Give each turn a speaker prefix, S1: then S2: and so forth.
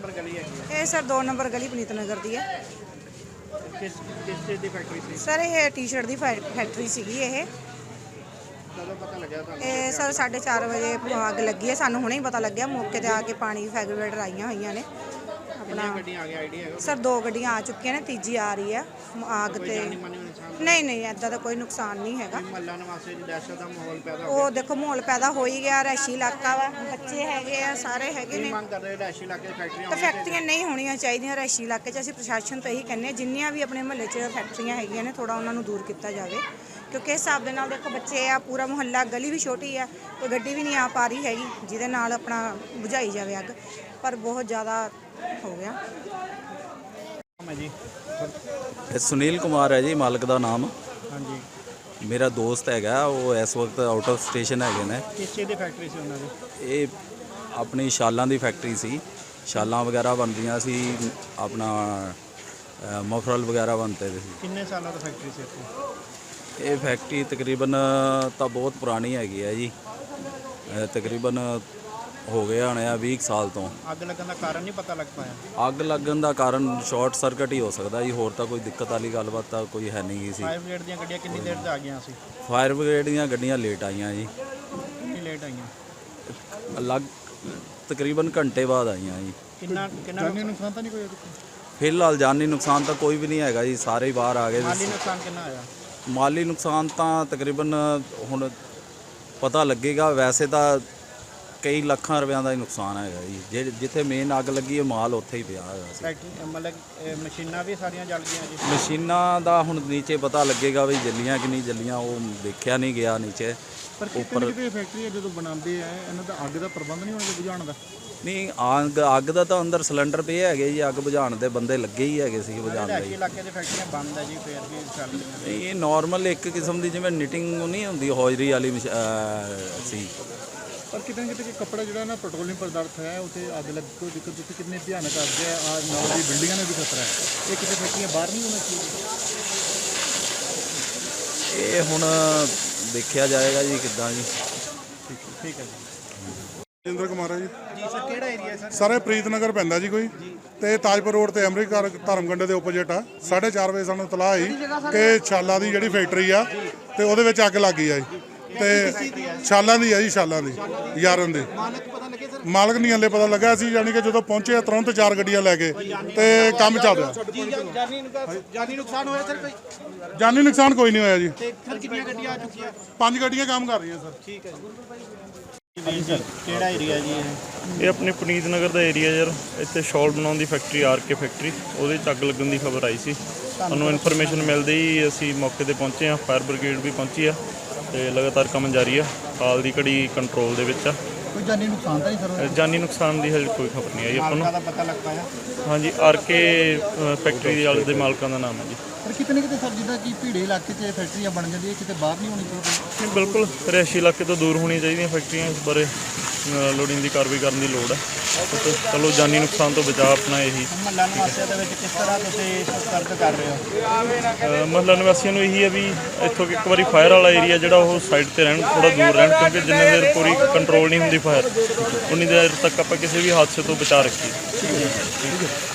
S1: Number ਗਲੀ ਹੈਗੀ ਹੈ?
S2: ਇਹ ਸਰ 2 ਨੰਬਰ ਗਲੀ ਪਨੀਤ ਨਗਰ ਦੀ ਹੈ।
S1: ਕਿਸ ਚੀਜ਼ ਦੀ ਫੈਕਟਰੀ ਸੀ?
S2: ਸਰ ਇਹ ਟੀ-ਸ਼ਰਟ ਦੀ ਫੈਕਟਰੀ ਸੀਗੀ ਇਹ।
S1: ਕਦੋਂ ਪਤਾ ਲੱਗਿਆ ਤੁਹਾਨੂੰ?
S2: ਇਹ ਸਰ 4:30 ਵਜੇ ਅੱਗ ਲੱਗੀ ਹੈ। ਸਾਨੂੰ ਹੁਣੇ ਹੀ ਪਤਾ ਲੱਗਿਆ, ਮੌਕੇ ਤੇ ਆ ਕੇ ਪਾਣੀ ਫਾਇਰ ਬ੍ਰਿਗੇਡ ਆਈਆਂ ਹੋਈਆਂ ਨੇ।
S1: ਕਿੰਨੀਆਂ ਗੱਡੀਆਂ ਆ ਗਈਆਂ, ਆਈਡੀਆ ਹੈਗਾ?
S2: ਸਰ 2 ਗੱਡੀਆਂ ਆ ਚੁੱਕੀਆਂ ਨੇ, ਤੀਜੀ ਆ ਰਹੀ ਹੈ। ਅੱਗ
S1: ਕੋਈ
S2: ਤੇ
S1: ਜਾਨੀ ਮਾਨੀ ਨੁਕਸਾਨ?
S2: ਨਹੀਂ ਐਦਾਂ ਦਾ ਕੋਈ ਨੁਕਸਾਨ ਨਹੀਂ ਹੈਗਾ।
S1: ਮਹੱਲਾ ਨਿਵਾਸੀਆਂ ਦੀ ਦਹਿਸ਼ਤ ਦਾ ਮਾਹੌਲ ਪੈਦਾ ਹੋ
S2: ਉਹ ਦੇਖੋ ਮਾਹੌਲ ਪੈਦਾ ਹੋ ਹੀ ਗਿਆ, ਰੈਸ਼ੀ ਇਲਾਕਾ ਵਾ, ਬੱਚੇ ਹੈਗੇ ਆ, ਸਾਰੇ ਹੈਗੇ
S1: ਗਿਆ।
S2: ਨੇ।
S1: ਮੰਗ ਕਰਦੇ ਰਿਹਾਇਸ਼ੀ ਇਲਾਕੇ 'ਚ ਫੈਕਟਰੀਆਂ
S2: ਤਾਂ
S1: ਹੋਣੀਆਂ
S2: ਫੈਕਟਰੀਆਂ ਨਹੀਂ ਹੋਣੀਆਂ ਚਾਹੀਦੀਆਂ ਰੈਸ਼ੀ ਇਲਾਕੇ 'ਚ। ਅਸੀਂ ਪ੍ਰਸ਼ਾਸਨ ਤੋਂ ਇਹੀ ਕਹਿੰਦੇ ਹਾਂ, ਜਿੰਨੀਆਂ ਵੀ ਆਪਣੇ ਮਹੱਲੇ 'ਚ ਫੈਕਟਰੀਆਂ ਹੈਗੀਆਂ ਨੇ ਥੋੜਾ ਉਹਨਾਂ ਨੂੰ ਦੂਰ ਕੀਤਾ ਜਾਵੇ, ਕਿਉਂਕਿ ਇਸ ਹਿਸਾਬ ਦੇ ਨਾਲ ਦੇਖੋ ਬੱਚੇ ਆ, ਪੂਰਾ ਮੁਹੱਲਾ, ਗਲੀ ਵੀ ਛੋਟੀ ਆ, ਕੋਈ ਗੱਡੀ ਵੀ ਨਹੀਂ ਆ ਪਾ ਰਹੀ ਹੈਗੀ ਜਿਹਦੇ ਨਾਲ ਆਪਣਾ ਬੁਝਾਈ ਜਾਵੇ ਅੱਗ, ਪਰ ਬਹੁਤ ਜ਼ਿਆਦਾ ਹੋ ਗਿਆ।
S1: ਹੈ ਜੀ?
S3: ਇਹ ਸੁਨੀਲ ਕੁਮਾਰ ਹੈ ਜੀ ਮਾਲਕ ਦਾ ਨਾਮ।
S1: ਹਾਂਜੀ।
S3: ਮੇਰਾ ਦੋਸਤ ਹੈਗਾ, ਉਹ ਇਸ ਵਕਤ ਆਊਟ ਆਫ ਸਟੇਸ਼ਨ ਹੈਗੇ ਨੇ।
S1: ਕਿਸ ਚੀਜ਼ ਦੀ ਫੈਕਟਰੀ ਸੀ ਉਹਨਾਂ ਦੀ?
S3: ਇਹ ਆਪਣੀ ਸ਼ਾਲਾਂ ਦੀ ਫੈਕਟਰੀ ਸੀ, ਸ਼ਾਲਾਂ ਵਗੈਰਾ ਬਣਦੀਆਂ ਸੀ, ਆਪਣਾ ਮਫਰਲ ਵਗੈਰਾ ਬਣਦੇ ਸੀ।
S1: ਕਿੰਨੇ ਸਾਲਾਂ ਤੋਂ ਫੈਕਟਰੀ ਸੀ ਇੱਥੇ?
S3: ਇਹ ਫੈਕਟਰੀ ਤਕਰੀਬਨ ਤਾਂ ਬਹੁਤ ਪੁਰਾਣੀ ਹੈਗੀ ਹੈ ਜੀ, ਤਕਰੀਬਨ ਹੋ ਗਏ ਹੋਣੇ ਆ 20 ਸਾਲ ਤੋਂ।
S1: ਅੱਗ ਲੱਗਣ ਦਾ ਕਾਰਨ ਨਹੀਂ ਪਤਾ ਲੱਗ ਪਾਇਆ?
S3: ਅੱਗ ਲੱਗਣ ਦਾ ਕਾਰਨ ਸ਼ਾਰਟ ਸਰਕਟ ਹੀ ਹੋ ਸਕਦਾ ਜੀ, ਹੋਰ ਤਾਂ ਕੋਈ ਦਿੱਕਤ ਵਾਲੀ ਗੱਲਬਾਤ ਤਾਂ ਕੋਈ ਹੈ ਨਹੀਂ ਸੀ।
S1: ਫਾਇਰ ਬ੍ਰਿਗੇਡ ਦੀਆਂ ਗੱਡੀਆਂ ਕਿੰਨੀ ਦੇਰ 'ਚ ਆ ਗਈਆਂ ਸੀ?
S3: ਫਾਇਰ ਬ੍ਰਿਗੇਡ ਦੀਆਂ ਗੱਡੀਆਂ ਲੇਟ ਆਈਆਂ ਜੀ,
S1: ਕਿੰਨੀ ਲੇਟ ਆਈਆਂ?
S3: ਤਕਰੀਬਨ ਘੰਟੇ ਬਾਅਦ ਆਈਆਂ ਜੀ।
S1: ਕਿੰਨਾ ਜਾਨੀ ਨੁਕਸਾਨ ਤਾਂ ਨਹੀਂ ਕੋਈ?
S3: ਫਿਲਹਾਲ ਜਾਨੀ ਨੁਕਸਾਨ ਤਾਂ ਕੋਈ ਵੀ ਨਹੀਂ ਹੈਗਾ ਜੀ, ਸਾਰੇ ਹੀ ਬਾਹਰ ਆ ਗਏ।
S1: ਮਾਲੀ ਨੁਕਸਾਨ ਕਿੰਨਾ ਆਇਆ?
S3: ਮਾਲੀ ਨੁਕਸਾਨ ਤਾਂ ਤਕਰੀਬਨ ਹੁਣ ਪਤਾ ਲੱਗੇਗਾ, ਵੈਸੇ ਤਾਂ ਕਈ ਲੱਖਾਂ ਰੁਪਇਆਂ ਦਾ ਹੀ ਨੁਕਸਾਨ ਹੈਗਾ ਜੀ। ਜਿੱਥੇ ਮੇਨ ਅੱਗ ਲੱਗੀ ਹੈ ਮਾਲ ਉੱਥੇ ਹੀ ਪਿਆ ਹੈਗਾ ਸੀ।
S1: ਫੈਕਟਰੀ ਮਤਲਬ ਮਸ਼ੀਨਾਂ ਵੀ ਸਾਰੀਆਂ ਜਲ ਗਈਆਂ ਜੀ?
S3: ਮਸ਼ੀਨਾਂ ਦਾ ਹੁਣ ਨੀਚੇ ਪਤਾ ਲੱਗੇਗਾ ਵੀ ਜੱਲੀਆਂ ਕਿ ਨਹੀਂ ਜੱਲੀਆਂ, ਉਹ ਦੇਖਿਆ ਨਹੀਂ ਗਿਆ ਨੀਚੇ।
S1: ਪਰ
S3: ਉੱਪਰ
S1: ਕਿਤੇ ਫੈਕਟਰੀ ਜਦੋਂ ਬਣਾਉਂਦੇ ਆ ਇਹਨਾਂ ਦਾ ਅੱਗ ਦਾ ਪ੍ਰਬੰਧ ਨਹੀਂ ਹੋਣਾ ਬੁਝਾਉਣ ਦਾ?
S3: ਨਹੀਂ, ਅੱਗ ਦਾ ਤਾਂ ਅੰਦਰ ਸਿਲੰਡਰ ਪਏ ਹੈਗੇ ਜੀ, ਅੱਗ ਬੁਝਾਉਣ ਦੇ ਬੰਦੇ ਲੱਗੇ ਹੀ ਹੈਗੇ ਸੀ ਬੁਝਾਉਣ ਦੇ।
S1: ਰਿਹਾਇਸ਼ੀ ਇਲਾਕੇ 'ਚ ਫੈਕਟਰੀਆਂ ਬੰਦ ਹੈ ਜੀ, ਫਿਰ ਵੀ ਚੱਲ ਰਹੀਆਂ?
S3: ਇਹ ਨਾਰਮਲ ਇੱਕ ਕਿਸਮ ਦੀ ਜਿਵੇਂ ਨਿਟਿੰਗ ਨਹੀਂ ਹੁੰਦੀ, ਹੌਜਰੀ ਵਾਲੀ ਸੀ।
S1: ਪਰ ਕਿਤੇ ਨਾ ਕਿਤੇ ਕੱਪੜਾ ਜਿਹੜਾ ਨਾ ਪੈਟਰੋਲੀਅਮ ਪਦਾਰਥ ਹੈ ਉੱਥੇ ਅੱਗ ਲੱਗ ਕੋਈ ਦਿੱਕਤ ਉੱਥੇ ਕਿੰਨੇ ਭਿਆਨਕ ਅੱਗ ਹੈ। ਆ ਨਾਲ ਦੀ ਬਿਲਡਿੰਗਾਂ ਨੇ ਵੀ ਖਤਰਾ ਹੈ, ਇਹ ਕਿਤੇ ਫੈਕਟਰੀਆਂ ਬਾਹਰ ਨਹੀਂ ਹੋਣਾ ਚਾਹੀਦਾ?
S3: ਇਹ ਹੁਣ ਦੇਖਿਆ ਜਾਏਗਾ ਜੀ ਕਿੱਦਾਂ ਜੀ।
S1: ਠੀਕ ਹੈ ਜੀ।
S4: ਜਿੰਦਰ ਕੁਮਾਰ ਹੈ ਜੀ।
S1: ਜੀ ਸਰ, ਕਿਹੜਾ ਏਰੀਆ ਸਰ?
S4: ਸਾਰੇ ਪ੍ਰੀਤ ਨਗਰ ਪੈਂਦਾ ਜੀ ਕੋਈ, ਤੇ ਤਾਜਪੁਰ ਰੋਡ ਤੇ ਅਮਰੀਕਾ ਧਰਮਗੰਡੇ ਦੇ ਓਪੋਜਿਟ ਆ। 4:30 ਵਜੇ ਸਾਨੂੰ ਇਤਲਾਹ ਆਈ ਕਿ ਛਾਲਾ ਦੀ ਜਿਹੜੀ ਫੈਕਟਰੀ ਆ ਤੇ ਉਹਦੇ ਵਿੱਚ ਅੱਗ ਲੱਗ ਗਈ ਆ ਜੀ। ਤੇ ਛਾਲਾਂ ਦੀ ਆ ਜੀ, ਛਾਲਾਂ ਦੀ ਯਾਰਨ ਦੀ।
S1: ਮਾਲਕ ਪਤਾ ਲੱਗੇ ਸਰ?
S4: ਮਾਲਕ ਨਹੀਂ ਹਲੇ ਪਤਾ ਲੱਗਾ ਸੀ, ਯਾਨੀ ਕਿ ਜਦੋਂ ਪਹੁੰਚੇ ਤੁਰੰਤ 4 ਗੱਡੀਆਂ ਲੈ ਕੇ ਤੇ ਕੰਮ ਚੱਲ ਰਿਹਾ।
S1: ਜਾਨੀ ਨੁਕਸਾਨ ਹੋਇਆ ਸਰ ਕੋਈ?
S4: ਜਾਨੀ ਨੁਕਸਾਨ ਕੋਈ ਨਹੀਂ ਹੋਇਆ ਜੀ।
S1: ਤੇ ਸਰ ਕਿੰਨੀਆਂ ਗੱਡੀਆਂ ਆ ਚੁੱਕੀਆਂ?
S4: 5 ਗੱਡੀਆਂ ਕੰਮ ਕਰ ਰਹੀਆਂ ਸਰ।
S1: ਠੀਕ ਹੈ ਜੀ ਸਰ, ਕਿਹੜਾ ਏਰੀਆ ਜੀ
S5: ਇਹ ਆਪਣੇ ਪੁਨੀਤ ਨਗਰ ਦਾ ਏਰੀਆ ਯਾਰ। ਇੱਥੇ ਸ਼ਾਲ ਬਣਾਉਣ ਦੀ ਫੈਕਟਰੀ, ਆਰਕੇ ਫੈਕਟਰੀ, ਉਹਦੇ 'ਚ ਅੱਗ ਲੱਗਣ ਦੀ ਖਬਰ ਆਈ ਸੀ। ਸਾਨੂੰ ਇਨਫੋਰਮੇਸ਼ਨ ਮਿਲਦੇ ਹੀ ਅਸੀਂ ਮੌਕੇ ਤੇ ਪਹੁੰਚੇ ਹਾਂ। ਫਾਇਰ ਬ੍ਰਿਗੇਡ ਵੀ ਪਹੁੰਚੀ ਆ ਤੇ ਲਗਾਤਾਰ ਕੰਮ ਜਾਰੀ ਆ। ਹਾਲ ਦੀ ਘੜੀ ਕੰਟਰੋਲ ਦੇ ਵਿੱਚ ਆ।
S1: ਕੋਈ ਜਾਨੀ ਨੁਕਸਾਨ ਤਾਂ ਨਹੀਂ ਸਰ?
S5: ਜਾਨੀ ਨੁਕਸਾਨ ਦੀ ਹਜੇ ਕੋਈ ਖਬਰ ਨਹੀਂ ਆਈ ਆਪਾਂ ਨੂੰ।
S1: ਮਾਲਕਾਂ ਦਾ ਪਤਾ ਲੱਗ ਪਾਇਆ?
S5: ਹਾਂਜੀ, ਆਰਕੇ ਫੈਕਟਰੀ ਦੇ ਵਾਲੇ ਦੇ ਮਾਲਕਾਂ ਦਾ ਨਾਮ ਹੈ ਜੀ।
S1: ਪਰ ਕਿਤੇ ਨਾ ਕਿਤੇ ਸਰ ਜਿੱਦਾਂ ਕਿ ਭੀੜੇ ਇਲਾਕੇ 'ਚ ਫੈਕਟਰੀਆਂ ਬਣ ਜਾਂਦੀਆਂ, ਕਿਤੇ ਬਾਹਰ ਨਹੀਂ ਹੋਣੀ ਚਾਹੀਦੀ?
S5: ਨਹੀਂ, ਬਿਲਕੁਲ ਰਿਹਾਇਸ਼ੀ ਇਲਾਕੇ ਤੋਂ ਦੂਰ ਹੋਣੀਆਂ ਚਾਹੀਦੀਆਂ ਫੈਕਟਰੀਆਂ। ਇਸ ਬਾਰੇ ਲੋੜੀਂਦੀ ਕਾਰਵਾਈ ਕਰਨ ਦੀ ਲੋੜ ਹੈ। ਚਲੋ ਜਾਨੀ ਨੁਕਸਾਨ ਤੋਂ ਬਚਾਅ ਆਪਣਾ ਇਹੀ।
S1: ਮਹੱਲਾ ਨਿਵਾਸੀਆਂ ਦੇ ਵਿੱਚ ਕਿਸ ਤਰ੍ਹਾਂ ਤੁਸੀਂ ਸਤਰਕ ਕਰ ਰਹੇ ਹੋ?
S5: ਮਹੱਲਾ ਨਿਵਾਸੀਆਂ ਨੂੰ ਇਹੀ ਹੈ ਵੀ ਇੱਥੋਂ ਇੱਕ ਵਾਰੀ ਫਾਇਰ ਵਾਲਾ ਏਰੀਆ ਜਿਹੜਾ ਉਹ ਸਾਈਡ ਤੇ ਰਹਿਣ, ਥੋੜਾ ਦੂਰ ਰਹਿਣ, ਕਿਉਂਕਿ ਜਿੰਨੇ ਦੇਰ ਪੂਰੀ ਕੰਟਰੋਲ ਨਹੀਂ ਹੁੰਦੀ ਫਾਇਰ, ਉਨੀ ਦੇਰ ਤੱਕ ਆਪਾਂ ਕਿਸੇ ਵੀ ਹਾਦਸੇ ਤੋਂ ਬਚਾ ਰੱਖੀਏ।